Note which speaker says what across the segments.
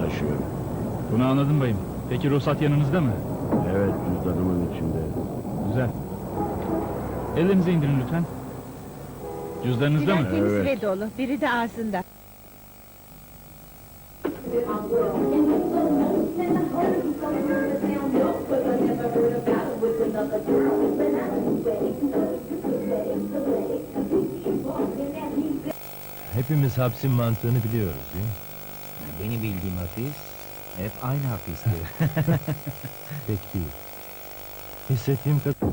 Speaker 1: taşıyor.
Speaker 2: Bunu anladım bayım. Peki ruhsat yanınızda mı?
Speaker 1: Evet, cüzdanımın içinde.
Speaker 2: Güzel. Ellerinizi indirin lütfen. Cüzdanınızda mı?
Speaker 3: Biraz temiz
Speaker 1: Evet.
Speaker 3: ve dolu, biri de ağzında.
Speaker 4: Hepimiz hapsin mantığını biliyoruz değil mi?
Speaker 5: Benim bildiğim hapis hep aynı hapisti.
Speaker 4: Pek değil. Hissettiğim kadar...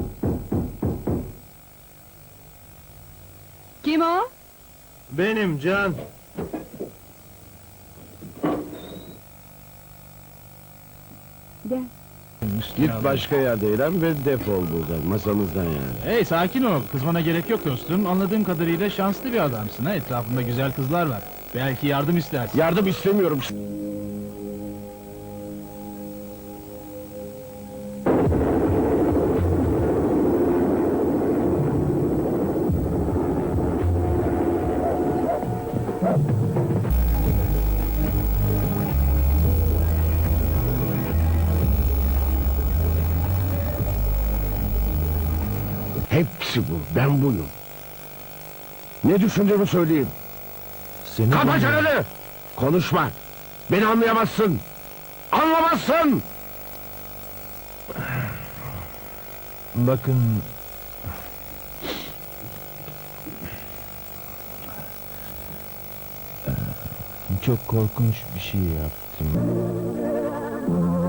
Speaker 3: Kim o?
Speaker 4: Benim Can.
Speaker 3: Gel.
Speaker 1: Git başka yerde eğlen ve defol buradan, masamızdan yani.
Speaker 2: Hey sakin ol. Kızmana gerek yok dostum. Anladığım kadarıyla şanslı bir adamsın ha. Etrafında güzel kızlar var. Belki yardım istersin.
Speaker 1: Yardım istemiyorum. Hepsi bu, ben buyum. Ne düşündüğümü söyleyeyim.
Speaker 4: Seni
Speaker 1: Kapa
Speaker 4: dinliyorum.
Speaker 1: çeneni! Konuşma! Beni anlayamazsın! Anlamazsın!
Speaker 4: Bakın... Çok korkunç bir şey yaptım.